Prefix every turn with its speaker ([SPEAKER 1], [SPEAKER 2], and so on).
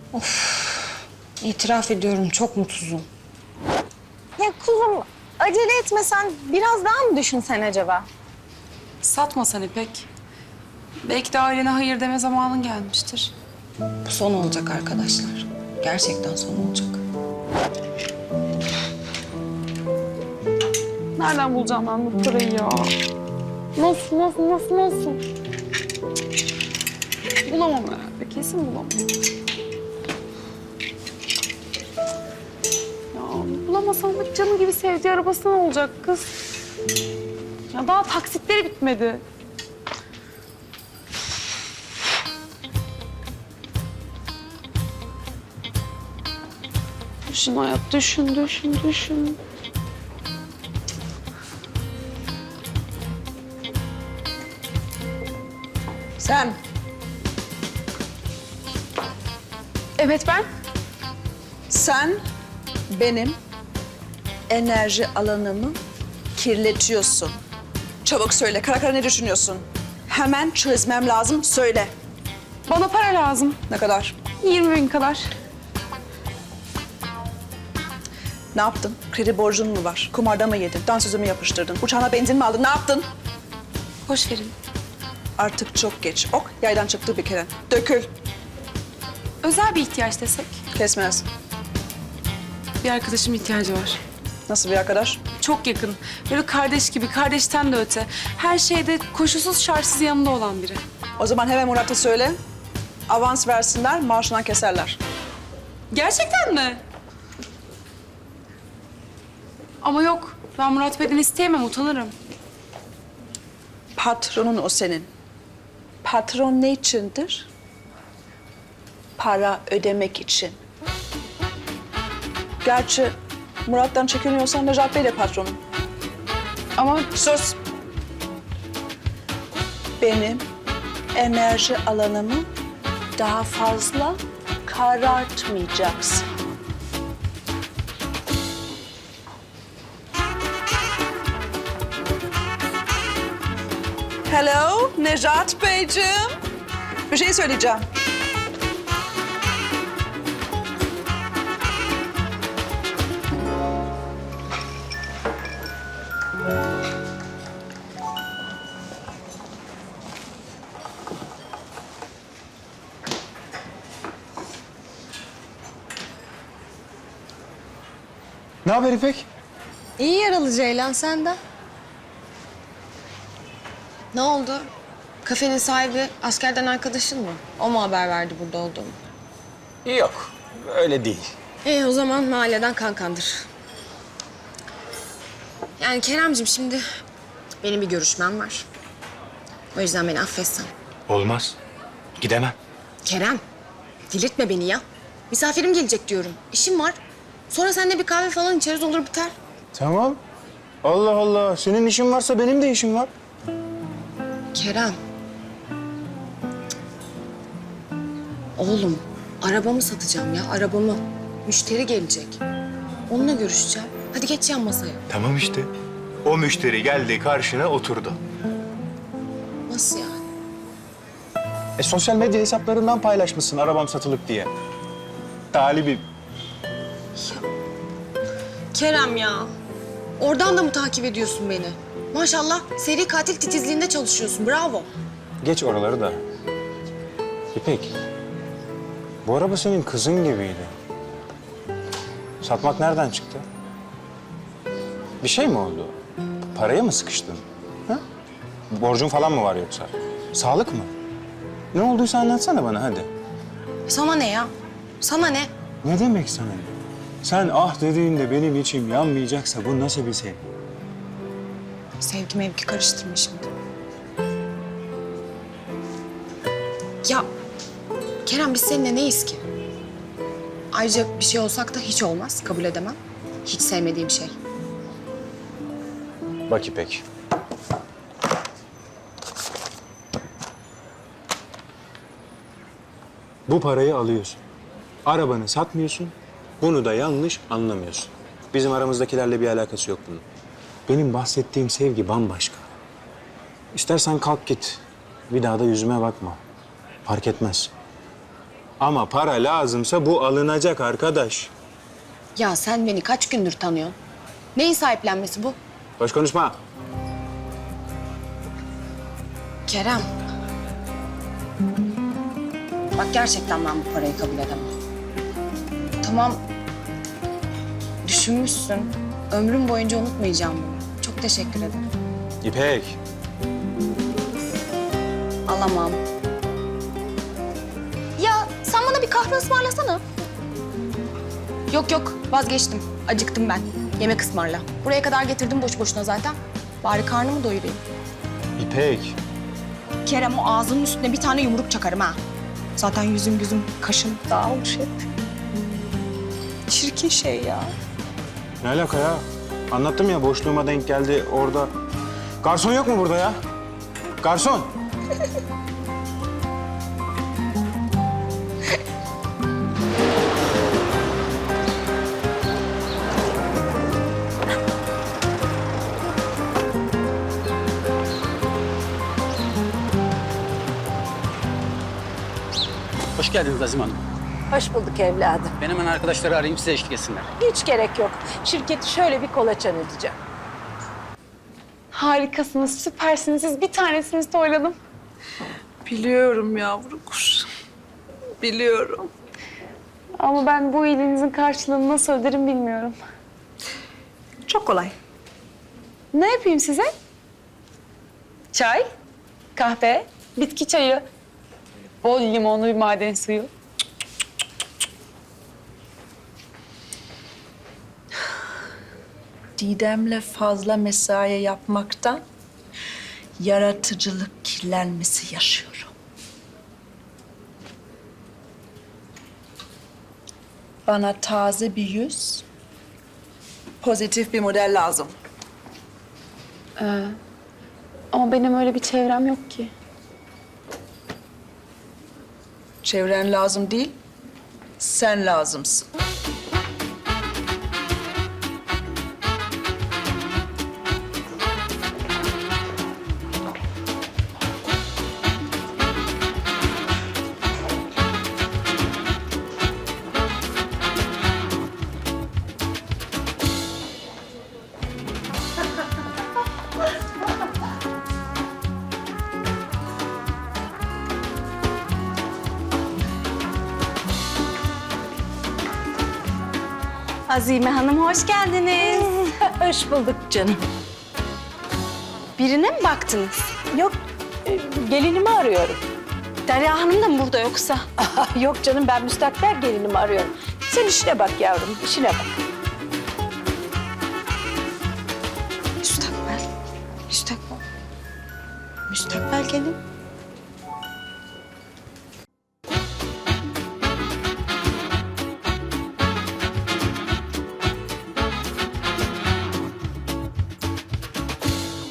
[SPEAKER 1] İtiraf ediyorum çok mutsuzum.
[SPEAKER 2] Ya kuzum acele etmesen biraz daha mı düşünsen acaba?
[SPEAKER 3] Satmasan İpek. Belki de ailene hayır deme zamanın gelmiştir.
[SPEAKER 1] Bu son olacak arkadaşlar. Gerçekten son olacak.
[SPEAKER 3] Nereden bulacağım ben bu parayı ya? Nasıl? Bulamam herhalde. Kesin bulamam. Ya bulamazsam da canı gibi sevdiği arabası ne olacak kız? Ya daha taksitleri bitmedi. Düşün hayat, düşün.
[SPEAKER 4] Sen
[SPEAKER 3] Evet ben.
[SPEAKER 4] Sen benim enerji alanımı kirletiyorsun. Çabuk söyle, kara kara ne düşünüyorsun? Hemen çözmem lazım, söyle.
[SPEAKER 3] Bana para lazım.
[SPEAKER 4] Ne kadar?
[SPEAKER 3] 20.000 kadar.
[SPEAKER 4] Ne yaptın? Kredi borcun mu var? Kumarda mı yedin? Dansözü mü yapıştırdın? Uçağına benzin mi aldın? Ne yaptın?
[SPEAKER 3] Boş verin.
[SPEAKER 4] Artık çok geç. Ok, yaydan çıktı bir kere. Dökül.
[SPEAKER 3] Özel bir ihtiyaç desek.
[SPEAKER 4] Kesmez.
[SPEAKER 3] Bir arkadaşım ihtiyacı var.
[SPEAKER 4] Nasıl bir arkadaş?
[SPEAKER 3] Çok yakın. Böyle kardeş gibi, kardeşten de öte. Her şeyde koşulsuz şartsız yanında olan biri.
[SPEAKER 4] O zaman hemen Murat'a söyle. Avans versinler, maaşından keserler.
[SPEAKER 3] Gerçekten mi? Ama yok. Ben Murat Bey'den isteyemem, utanırım.
[SPEAKER 4] Patronun o senin. Patron ne içindir? Para ödemek için. Gerçi Murat'tan çekiniyorsan Necat Bey de patronun.
[SPEAKER 3] Ama
[SPEAKER 4] Sus! Benim enerji alanımı daha fazla karartmayacaksın. Hello, Necat Beyciğim. Bir şey söyleyeceğim.
[SPEAKER 5] Ne haber İpek?
[SPEAKER 1] İyi yaralı Ceylan senden. Ne oldu? Kafenin sahibi askerden arkadaşın mı? O mu haber verdi burada olduğumu?
[SPEAKER 5] Yok, öyle değil.
[SPEAKER 1] O zaman mahalleden kankandır. Yani Keremcim şimdi benim bir görüşmem var. O yüzden beni affetsen.
[SPEAKER 5] Olmaz. Gidemem.
[SPEAKER 1] Kerem, delirtme beni ya. Misafirim gelecek diyorum. İşim var. Sonra seninle bir kahve falan içeriz olur biter.
[SPEAKER 5] Tamam. Allah Allah. Senin işin varsa benim de işim var.
[SPEAKER 1] Kerem. Oğlum, arabamı satacağım ya, arabamı. Müşteri gelecek. Onunla görüşeceğim. Hadi geç yan masaya.
[SPEAKER 5] Tamam işte. O müşteri geldi karşına oturdu.
[SPEAKER 1] Nasıl yani?
[SPEAKER 5] Sosyal medya hesaplarından paylaşmışsın arabam satılık diye. Talibim.
[SPEAKER 1] Kerem ya. Oradan da mı takip ediyorsun beni? Maşallah seri katil titizliğinde çalışıyorsun. Bravo.
[SPEAKER 5] Geç oraları da. İpek. Bu araba senin kızın gibiydi. Satmak nereden çıktı? Bir şey mi oldu? Paraya mı sıkıştın? Ha? Borcun falan mı var yoksa? Sağlık mı? Ne olduysa anlatsana bana hadi.
[SPEAKER 1] Sana ne ya? Sana ne?
[SPEAKER 5] Ne demek sana? Sen ah dediğinde benim içim yanmayacaksa bu nasıl bir sevgi?
[SPEAKER 1] Sevgi mevki karıştırma şimdi. Ya Kerem biz seninle neyiz ki? Ayrıca bir şey olsak da hiç olmaz. Kabul edemem. Hiç sevmediğim şey.
[SPEAKER 5] Bak İpek. Bu parayı alıyorsun. Arabanı satmıyorsun. Bunu da yanlış anlamıyorsun. Bizim aramızdakilerle bir alakası yok bunun. Benim bahsettiğim sevgi bambaşka. İstersen kalk git. Bir daha da yüzüme bakma. Fark etmez. Ama para lazımsa bu alınacak arkadaş.
[SPEAKER 1] Ya sen beni kaç gündür tanıyorsun? Neyin sahiplenmesi bu?
[SPEAKER 5] Boş konuşma.
[SPEAKER 1] Kerem. Bak gerçekten ben bu parayı kabul edemem. Tamam. Düşünmüşsün. Ömrüm boyunca unutmayacağım bunu. Çok teşekkür ederim.
[SPEAKER 5] İpek.
[SPEAKER 1] Alamam. Ya sen bana bir kahve ısmarlasana. Yok yok vazgeçtim. Acıktım ben. Yemek ısmarla. Buraya kadar getirdim boş boşuna zaten. Bari karnımı doyurayım.
[SPEAKER 5] İpek.
[SPEAKER 1] Kerem o ağzının üstüne bir tane yumruk çakarım ha. Zaten yüzüm gözüm kaşım dağılmış hep. Çirkin şey ya.
[SPEAKER 5] Ne alaka ya? Anlattım ya boşluğuma denk geldi orada. Garson yok mu burada ya? Garson.
[SPEAKER 6] Hoş geldiniz Azim Hanım.
[SPEAKER 7] Hoş bulduk evladım.
[SPEAKER 6] Ben hemen arkadaşları arayayım, size eşlik etsinler.
[SPEAKER 7] Hiç gerek yok. Şirketi şöyle bir kolaçan edeceğim.
[SPEAKER 3] Harikasınız, süpersiniz. Siz bir tanesiniz toyladım.
[SPEAKER 4] Biliyorum yavru kuş. Biliyorum.
[SPEAKER 3] Ama ben bu iyiliğinizin karşılığını nasıl öderim bilmiyorum.
[SPEAKER 4] Çok kolay.
[SPEAKER 3] Ne yapayım size? Çay, kahve, bitki çayı, bol limonlu bir maden suyu.
[SPEAKER 8] Didem'le fazla mesai yapmaktan yaratıcılık kirlenmesi yaşıyorum. Bana taze bir yüz,
[SPEAKER 4] Pozitif bir model lazım.
[SPEAKER 3] Ama benim öyle bir çevrem yok ki.
[SPEAKER 8] çevren lazım değil, sen lazımsın.
[SPEAKER 2] Azime Hanım hoş geldiniz.
[SPEAKER 7] Hoş bulduk canım.
[SPEAKER 2] Birine mi baktınız?
[SPEAKER 7] Yok, gelinimi arıyorum.
[SPEAKER 2] Derya Hanım da mı burada yoksa?
[SPEAKER 7] Yok canım, ben müstakbel gelinimi arıyorum. Sen işine bak yavrum, işine bak.
[SPEAKER 1] Müstakbel. Müstakbel. Müstakbel gelin.